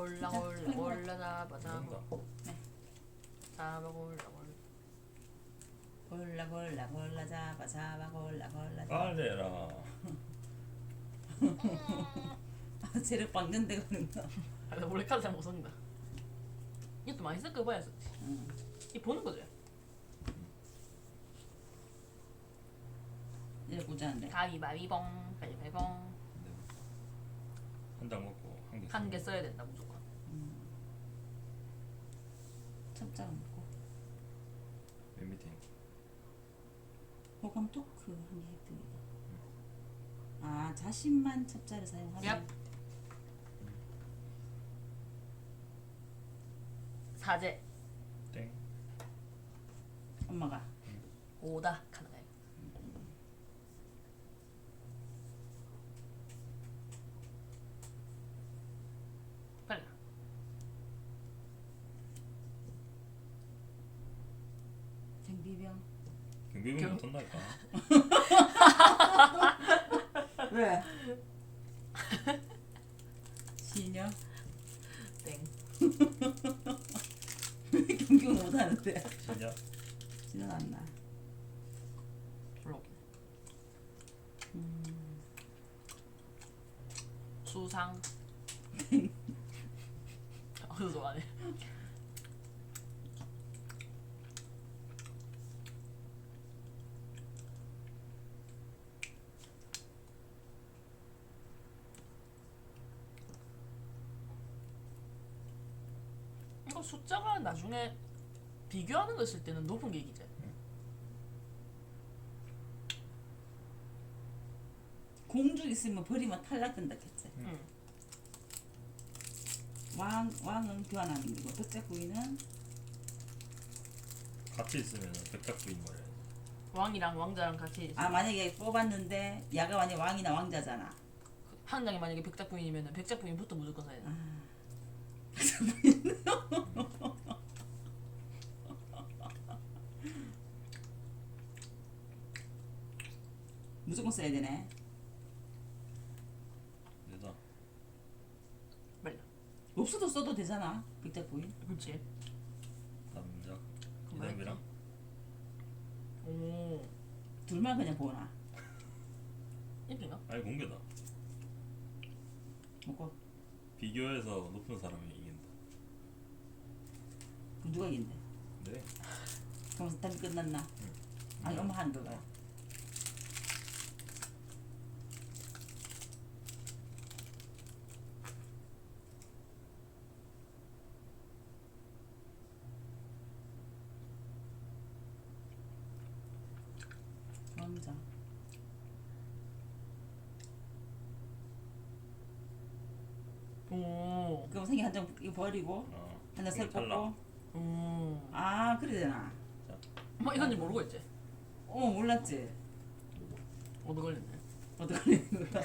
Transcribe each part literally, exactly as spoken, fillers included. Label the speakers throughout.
Speaker 1: 골라 골라 골라 잡아 잡아
Speaker 2: 네.
Speaker 1: 잡아 골라 골라
Speaker 2: 골라 골라 골라 잡아 잡아 골라 골라 잡아.
Speaker 3: 빨리 해라.
Speaker 2: 아, 쟤를 박는데 그런 거.
Speaker 1: 아, 나 원래 카드 잘 못 썼는다. 이것도 많이 섞어봐야 썼지.
Speaker 2: 응.
Speaker 1: 이 보는 거죠.
Speaker 2: 이래 보자는데.
Speaker 1: 가위바위봉 가위바위봉
Speaker 3: 한 장 먹고 한 개.
Speaker 1: 한 개 써야 된다 무조건.
Speaker 2: 첩자가 먹고.
Speaker 3: 맨 밑에.
Speaker 2: 호감 토크 한개 획득이다. 아, 자신만 첩자를 사용하면.
Speaker 1: 얍. 사제
Speaker 3: 땡.
Speaker 2: 엄마가.
Speaker 1: 오다 카드가 빨리 가.
Speaker 2: 경비병.
Speaker 3: 경비병
Speaker 1: 경-
Speaker 3: 못한다니까.
Speaker 2: 왜? 신여?
Speaker 1: 땡
Speaker 2: 왜 경비병 못하는데?
Speaker 3: 진짜?
Speaker 2: 신여 났나?
Speaker 1: 불러오긴
Speaker 2: 음.
Speaker 1: 수상 어서 좋아하네. 이거 숫자가 나중에 비교하는 거 있을 때는 높은 게 이기지.
Speaker 2: 공주 있으면 버리면 탈락된다 했지.
Speaker 1: 응.
Speaker 2: 왕 왕은 교환하는 거고 백작 부인은
Speaker 3: 같이 있으면 백작부인 거래.
Speaker 1: 왕이랑 왕자랑 같이
Speaker 2: 아 만약에 뽑았는데 야가 만약 왕이나 왕자잖아.
Speaker 1: 한 장이 만약에 백작 부인이면은 백작 부인부터 무조건 사야 돼.
Speaker 2: 아. 무조건 써야 되네.
Speaker 3: 내다.
Speaker 1: 빨리.
Speaker 2: 없어도 써도 되잖아. 백작 부인.
Speaker 1: 그렇지.
Speaker 3: 남작.
Speaker 1: 그만
Speaker 3: 이담이랑.
Speaker 1: 오.
Speaker 2: 둘만 그냥 보나.
Speaker 1: 이쁜가?
Speaker 3: 아니 공개다.
Speaker 2: 먹고
Speaker 3: 비교해서 높은 사람이 이긴다.
Speaker 2: 그럼 누가 이긴대?
Speaker 3: 네.
Speaker 2: 그럼 답이 끝났나? 아니 엄마 하는 거가. 왕자.
Speaker 1: 오.
Speaker 2: 그럼 생이 한장 이거 버리고
Speaker 3: 어.
Speaker 2: 하나 셀
Speaker 3: 탈락.
Speaker 2: 뽑고.
Speaker 1: 오.
Speaker 2: 아 그래 되나?
Speaker 1: 뭐 이건지 모르고 있지.
Speaker 2: 어 몰랐지.
Speaker 1: 얻어 걸렸네.
Speaker 2: 어떡하는 거야?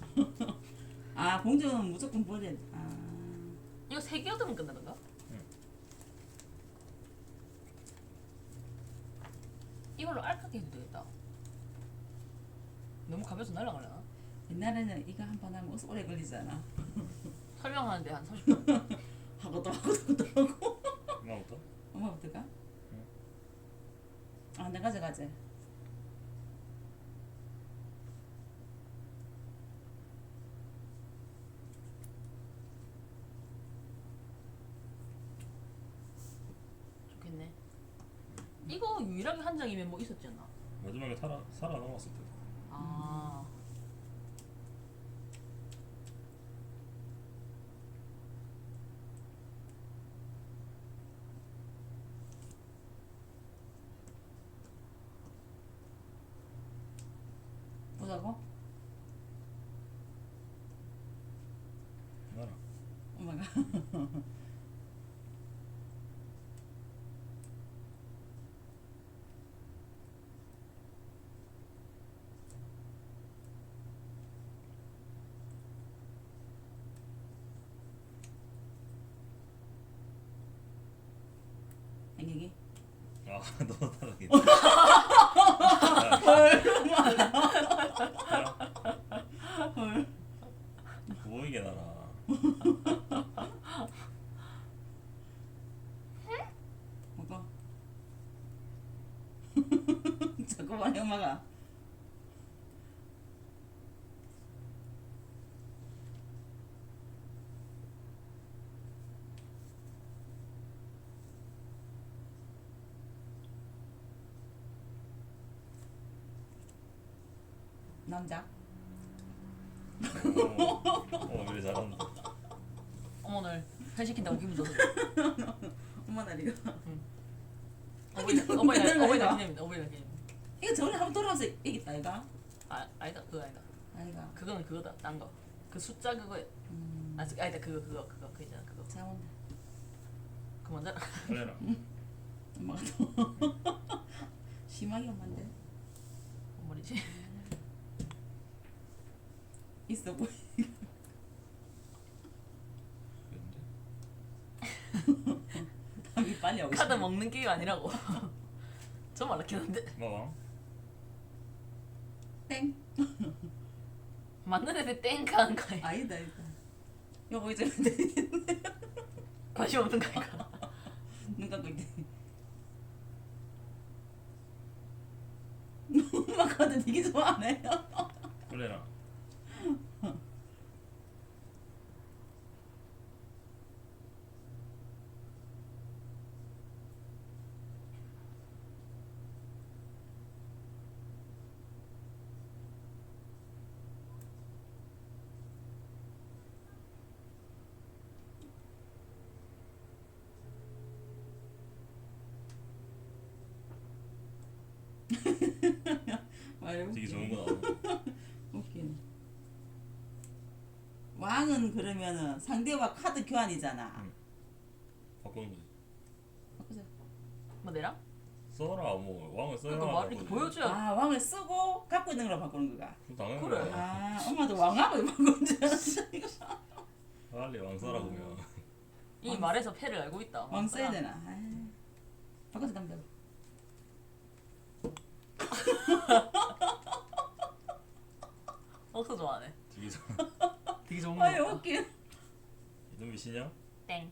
Speaker 2: 아 공주는 무조건 버려. 아
Speaker 1: 이거 세 개 얻으면 끝나는가?
Speaker 3: 응.
Speaker 1: 이걸로 알까기 해도 되겠다. 너무 가벼워서 날아가려나?
Speaker 2: 옛날에는 이거 한 번 하면 어서 오래 걸리잖아.
Speaker 1: 설명하는데 한 삼십 분.
Speaker 2: 하고 또 하고 또 하고.
Speaker 3: 엄마부터?
Speaker 2: 엄마부터 가?
Speaker 3: 응.
Speaker 2: 아 내가 가져가지.
Speaker 1: 좋겠네. 이거 유일하게 한 장이면 뭐 있었지 않나?
Speaker 3: 마지막에 살아 살아남았을 때.
Speaker 1: 아.
Speaker 2: 보자고?
Speaker 3: 나라.
Speaker 2: 엄마가. 행복이?
Speaker 3: 아, 너 탈락이네.
Speaker 2: 헐.
Speaker 3: 보이게 나라.
Speaker 2: 먹어. 잠깐만 엄마가. 남자.
Speaker 3: 어, 어 그래 잘한다.
Speaker 1: 어머늘 회 시킨다고 기분 좋아.
Speaker 2: 엄마 날이가.
Speaker 1: 어버이
Speaker 2: 이거
Speaker 1: 어버이날
Speaker 2: 끝내는
Speaker 1: 어버이날
Speaker 2: 거야?
Speaker 1: 기념입니다. 어버이날 기념.
Speaker 2: 이거 저번에 한번 돌아와서 얘기했다 이가.
Speaker 1: 아 아니다 그거 아니다.
Speaker 2: 아이가.
Speaker 1: 그거는 그거다 딴 거. 그 숫자 그거야.
Speaker 2: 음.
Speaker 1: 아 아니다 그거 그거 그거 그 있잖아 그거.
Speaker 2: 자 온다.
Speaker 1: 그 먼저
Speaker 3: 그래라.
Speaker 2: 엄마가 또 심하게 엄마인데
Speaker 1: 뭔 말이지?
Speaker 2: 있어 보이.
Speaker 3: 근데
Speaker 2: 답이 빨리 오고
Speaker 1: 카드
Speaker 2: 싶네.
Speaker 1: 먹는 게임 아니라고. 좀 알았긴 한데
Speaker 3: 마왕.
Speaker 2: 땡.
Speaker 1: 맞는 애들 땡크 하는 거 아니야?
Speaker 2: 아니다 아니다. 여보 이제 되겠네.
Speaker 1: 관심 없는 거 아니야?
Speaker 2: 눈 감고 있대. 엄마 카드 되게 좋아하네.
Speaker 3: 그래라.
Speaker 2: 말해
Speaker 3: 되게 좋은 거 나오네.
Speaker 2: 웃기네. 왕은 그러면은 상대와 카드 교환이잖아.
Speaker 3: 응. 바꾸는 거지.
Speaker 2: 바꾸자.
Speaker 1: 뭐 내랑?
Speaker 3: 써라 뭐 왕을 써야.
Speaker 1: 그러니까 말 이렇게 보여줘야.
Speaker 2: 아 왕을 쓰고 갖고 있는 걸로 바꾸는 거가.
Speaker 3: 당연히
Speaker 1: 그래.
Speaker 3: 그래.
Speaker 2: 아 엄마도 왕하고 바꾸는 줄 알았어. 이거.
Speaker 3: 빨리 왕 써라 그러면.
Speaker 1: 이
Speaker 2: 왕-
Speaker 1: 말에서 패를 알고 있다.
Speaker 2: 왕 써야 되나? 아이. 바꿔서 담배.
Speaker 1: 억수 좋아하네.
Speaker 3: 되게 좋아.
Speaker 1: 되게 좋은 거.
Speaker 2: 아이
Speaker 1: 같다.
Speaker 2: 웃기.
Speaker 3: 이놈 미시냐?
Speaker 1: 땡.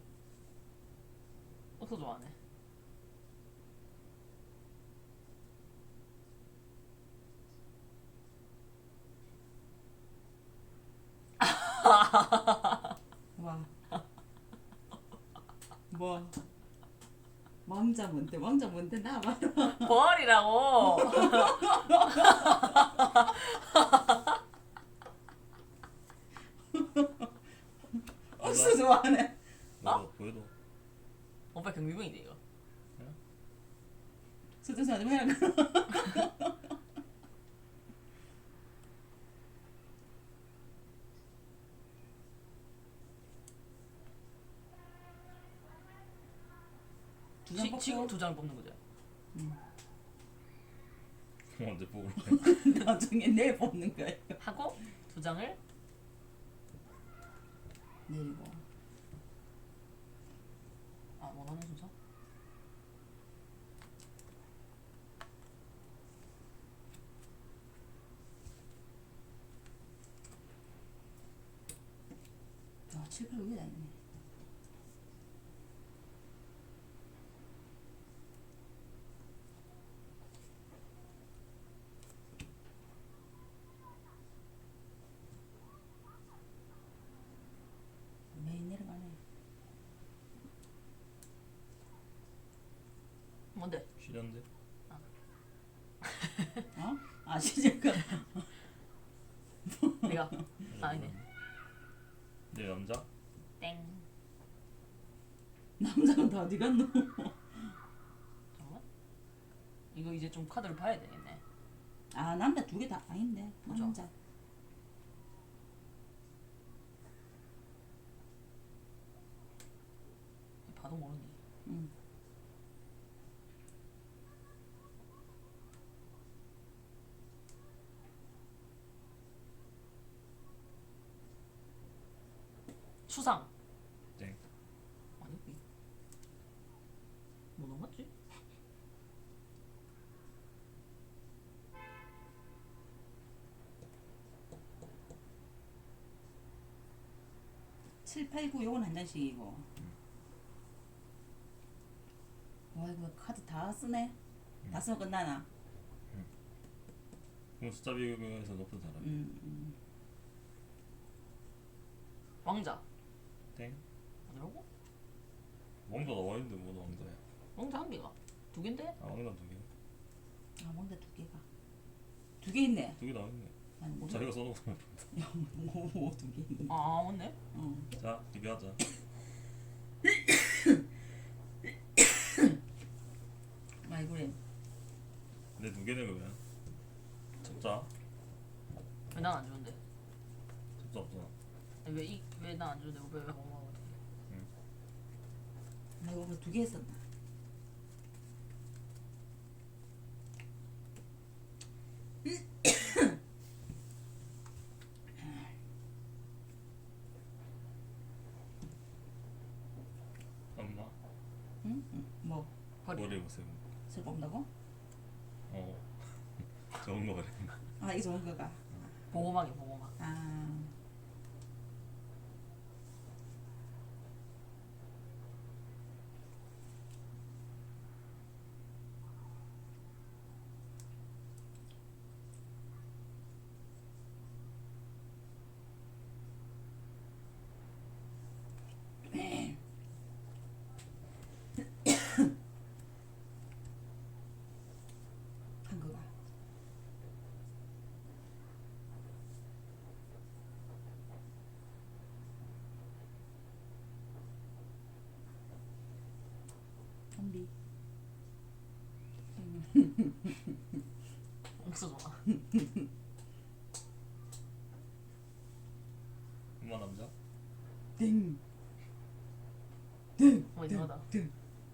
Speaker 1: 억수 좋아하네.
Speaker 2: 와. 뭐. 왕자 뭔데? 왕자 뭔데? 나 봐라.
Speaker 1: 벌이라고.
Speaker 2: 억수 좋아하네.
Speaker 3: 너 보여도.
Speaker 1: 오빠 경비병인데 이거.
Speaker 2: 수준사 좀 해라. 두장
Speaker 1: 지,
Speaker 2: 뽑고
Speaker 1: 지금 두 장을 뽑는 거죠.
Speaker 3: 언제 뽑을
Speaker 2: 나중에 내일 뽑는 거야.
Speaker 1: 하고 두 장을
Speaker 2: 내리고.
Speaker 1: 아 원하는 순서?
Speaker 2: 야, 칠, 팔 위에 다 있네. 매일 내려가네.
Speaker 1: 뭔데?
Speaker 3: 쉬는데?
Speaker 2: 어? 아, 시작가.
Speaker 1: 내가 아니네.
Speaker 3: 내 남자?
Speaker 1: 땡.
Speaker 2: 남자는 다 어디 갔노?
Speaker 1: 잠깐만. 이거 이제 좀 카드를 봐야 되겠네.
Speaker 2: 아, 남자 두 개 다 아닌데.
Speaker 1: 그죠?
Speaker 2: 남자.
Speaker 1: 봐도 모르니.
Speaker 2: 응.
Speaker 1: 수상.
Speaker 3: 땡.
Speaker 1: 아니 이- 뭐 넘었지?
Speaker 2: 칠, 팔, 구 요건 한 장씩이고. 와 이거 카드 다 쓰네. 다 쓰면 끝나나?
Speaker 3: 그럼 숫자 비교에서 높은 사람.
Speaker 2: 음, 음.
Speaker 1: 왕자.
Speaker 3: 땡.
Speaker 1: 아니라고?
Speaker 3: 왕자 나와 있는데 뭐 왕자야?
Speaker 1: 왕자 한 개가. 두 개인데?
Speaker 3: 아 왕자 두 개.
Speaker 2: 아 뭔데 두 개가. 두 개 있네.
Speaker 3: 두 개 나와 있네.
Speaker 2: 아니 뭐
Speaker 3: 자기가 써놓고.
Speaker 2: 뭐두 개 있네.
Speaker 1: 아 맞네.
Speaker 2: 어.
Speaker 3: 자 비교하자.
Speaker 2: 아이 그래.
Speaker 3: 내 두 개네 그러면. 숫자.
Speaker 1: 왜 난 안 주는데?
Speaker 3: 숫자 없잖아.
Speaker 1: 왜이왜 난 안 주는데 왜왜 고마워?
Speaker 2: 나 이거 두 개 했었나?
Speaker 3: 엄마.
Speaker 2: 응? 응. 뭐
Speaker 1: 버리.
Speaker 3: 머리 보세요.
Speaker 2: 술 뽑는다고?
Speaker 3: 어. 좋은 거 그래.
Speaker 2: 아 이게 좋은 거가.
Speaker 1: 보호막이 보호막.
Speaker 2: 아. 한 거가. 좀비.
Speaker 1: 없어져라.
Speaker 3: 엄마 남자.
Speaker 2: 땡. 땡.
Speaker 1: 어 이상하다.
Speaker 2: 땡.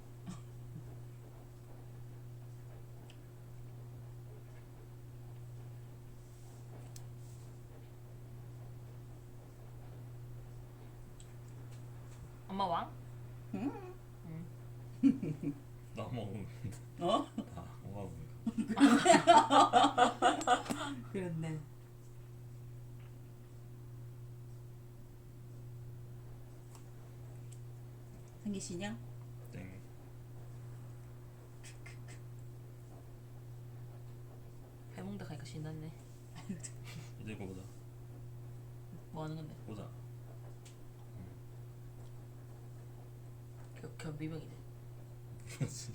Speaker 1: 엄마 왕?
Speaker 2: 응?
Speaker 3: 나 엄마 먹는 거.
Speaker 2: 어?
Speaker 3: 아 엄마 먹는 거.
Speaker 2: 그렇네. 한개 신형?
Speaker 3: 땡.
Speaker 1: 해몽대 가니까 신났네.
Speaker 3: 이제 이거 보자.
Speaker 1: 뭐 하는 건데?
Speaker 3: 보자.
Speaker 1: 겨, 견비병이네.
Speaker 3: 그렇지.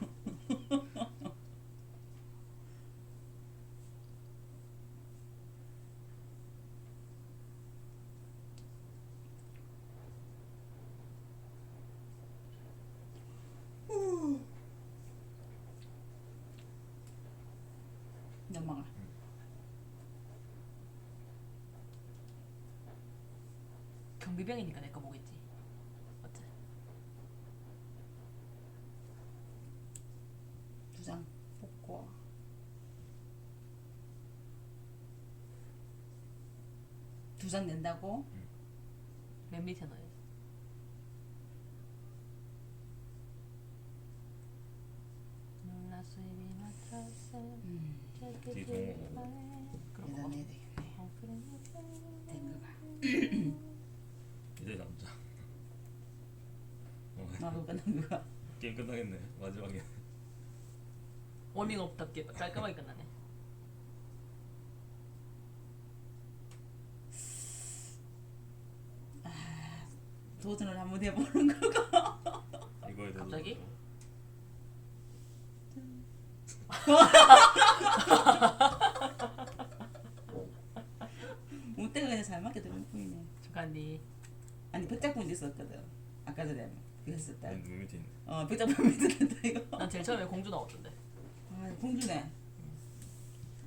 Speaker 2: 넘어가.
Speaker 1: 경비병이니까 내 거 보겠지. 맞지?
Speaker 2: 두 장 뽑고. 두 장 낸다고?
Speaker 1: 맨 밑에 넣어야지. 누나 수입이 맞춰서
Speaker 2: 음.
Speaker 3: 되게 좋은 거.
Speaker 1: 그런 거.
Speaker 2: 대단해 되겠네. 된 거가.
Speaker 3: 이제 남자. 어,
Speaker 2: 나도 끝난 거가.
Speaker 3: 게임 끝나겠네. 마지막에.
Speaker 1: 워밍업답게 깔끔하게 끝나네.
Speaker 2: 도전을 한번 해보는 거가.
Speaker 3: 이거에 대해서.
Speaker 1: 갑자기?
Speaker 2: 운때가 그냥 잘 맞게 되는 뿐이네.
Speaker 1: 잠깐니.
Speaker 2: 아니 백작품도 있었거든. 아까 전에 그거 했었다.
Speaker 3: 맨 밑에 있네.
Speaker 2: 어 백작품 있었다 이거.
Speaker 1: 난 제일 처음에 공주 나왔던데.
Speaker 2: 아 공주네.